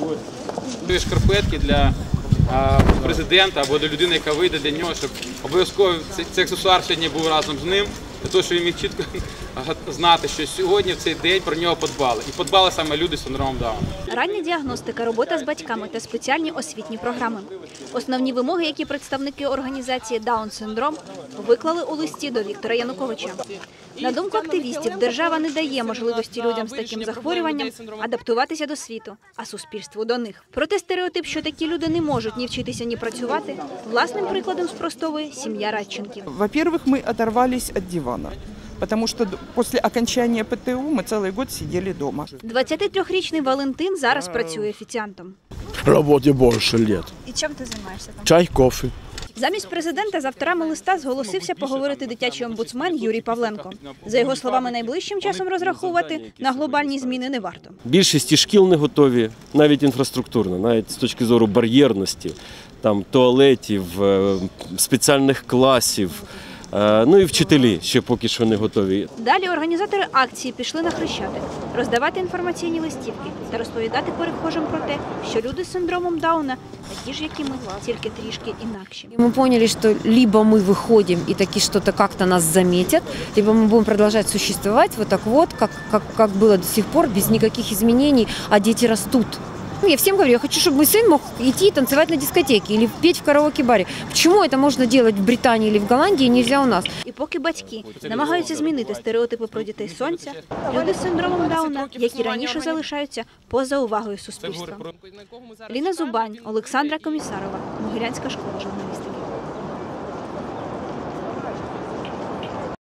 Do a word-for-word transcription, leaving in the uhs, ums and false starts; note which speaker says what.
Speaker 1: Шкарпетки для президента або до людини, яка вийде для нього, щоб обов'язково цей аксесуар сьогодні був разом з ним, для того, щоб він міг чітко знати, що сьогодні в цей день про нього подбали. І подбали саме люди з синдромом Дауна.
Speaker 2: Рання діагностика, робота з батьками та спеціальні освітні програми. Основні вимоги, які представники організації «Даун-синдром» виклали у листі до Віктора Януковича. На думку активістів, держава не дає можливості людям з таким захворюванням адаптуватися до світу, а суспільству до них. Проте стереотип, що такі люди не можуть ні вчитися, ні працювати, власним прикладом спростовує сім'я Радченків.
Speaker 3: Во-первых, мы оторвались от дивана, потому что после окончания ПТУ мы целый год сидели дома.
Speaker 2: двадцятитрирічний Валентин зараз працює офіціантом.
Speaker 4: Роботі більше років.
Speaker 2: І чим ти займаєшся там?
Speaker 4: Чай, кофе.
Speaker 2: Замість президента з авторами листа зголосився поговорити дитячий омбудсмен Юрій Павленко. За його словами, найближчим часом розраховувати на глобальні зміни не варто.
Speaker 5: Більшість і шкіл не готові, навіть інфраструктурно, навіть з точки зору бар'єрності, там, туалетів, спеціальних класів. Ну і вчителі ще поки що не готові.
Speaker 2: Далі організатори акції пішли на Хрещатик, роздавати інформаційні листівки та розповідати перехожим про те, що люди з синдромом Дауна такі ж, як і ми, тільки трішки інакші.
Speaker 6: Мы поняли, что либо мы выходим и таки что-то как-то нас заметят, либо мы будем продолжать существовать вот так вот, как, как, как было до сих пор, без никаких изменений, а дети растут. Я всем говорю, я хочу, чтобы мой сын мог идти танцевать на дискотеке или петь в караоке-баре. Почему это можно делать в Британии или в Голландии, нельзя у нас?
Speaker 2: І поки батьки намагаються змінити стереотипи про дітей сонця, люди з синдромом Дауна, які раніше залишаються поза увагою суспільства. Ліна Зубань, Олександра Комісарова, Могилянська школа журналістики.